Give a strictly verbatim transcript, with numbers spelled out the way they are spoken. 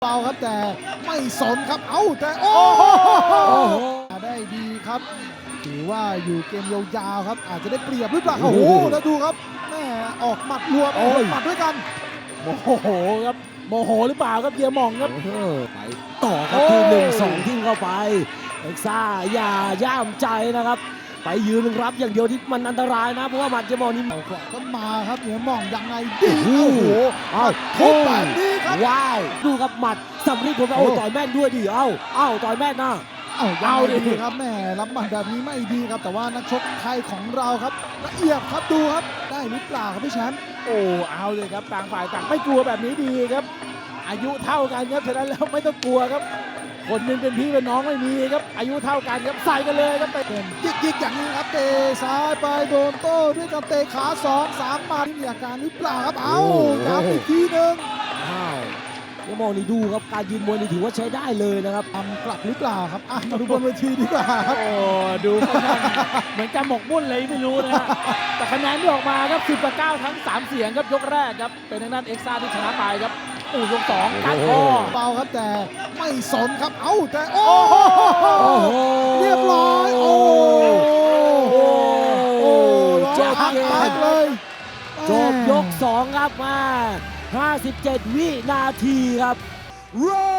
เบาครับแต่ไม่สนครับเอ้าแต่โอ้โหได้ดีครับถือว่าอยู่เกมยาวๆครับอาจจะได้เปรียบหรือเปล่าโอ้โหแล้วดูครับแม่ออกหมัดรวมหมัดด้วยกันโมโหครับโมโหหรือเปล่าครับเฮียหม่องครับไปต่อครับทีหนึ่งสองทิ้งเข้าไปเอ็กซ่าอย่าย่ามใจนะครับไปยืนรับอย่างเดียวที่มันอันตรายนะเพราะว่าหมัดเฮียหม่องนี่เอาขวาก็มาครับเหนือมองยังไงดีโอ้โหเอาทุบแบบนี้ครับว้าวดูครับหมัดสำลีผมโอ้ต่อยแม่นด้วยดิเอ้าเอ้าต่อยแม่นนะเอาเอาดิดิครับแม่รับหมัดแบบนี้ไม่ดีครับแต่ว่านักชกไทยของเราครับละเอียดครับดูครับได้หรือเปล่าครับพี่แชมป์โอ้เอาเลยครับต่างฝ่ายต่างไม่กลัวแบบนี้ดีครับอายุเท่ากันครับฉะนั้นแล้วไม่ต้องกลัวครับคนหนึงเป็นพี่เป็นน้องไม่มีครับอายุเท่ากันครับใส่กันเลยครับไปเป็นยิกยิกอย่างนี้ครับเตะซ้ายไปโดนโต้ด้วยกับเตะขาสองสามมาที่มีอาการหรือเปล่าครับเอาย้ำอีกทีหนึ่งอ้าวเฮียหม่องนี่ดูครับการยืนมวยนี่ถือว่าใช้ได้เลยนะครับทำกลับหรือเปล่าครับอ่ะมาดูบนเวทีดีกว่าครับโอ้ดูค่อนข้างเหมือนจะหมกมุ่นเลยไม่รู้นะฮะแต่คะแนนที่ออกมาครับสิบต่อเก้าทั้งสามเสียงครับยกแรกครับเป็นทางด้านเอ็กซ่าที่ชนะไปครับอู้ยกสองการคอเบาครับแต่ไม่สนครับเอ้าแต่โอ้โหโอ้โหเรียบร้อยโอ้โหโอ้ร้องจบหักเกแตมกเลยจบยกสองครับมาห้าสิบเจ็ดวินาทีครับ Round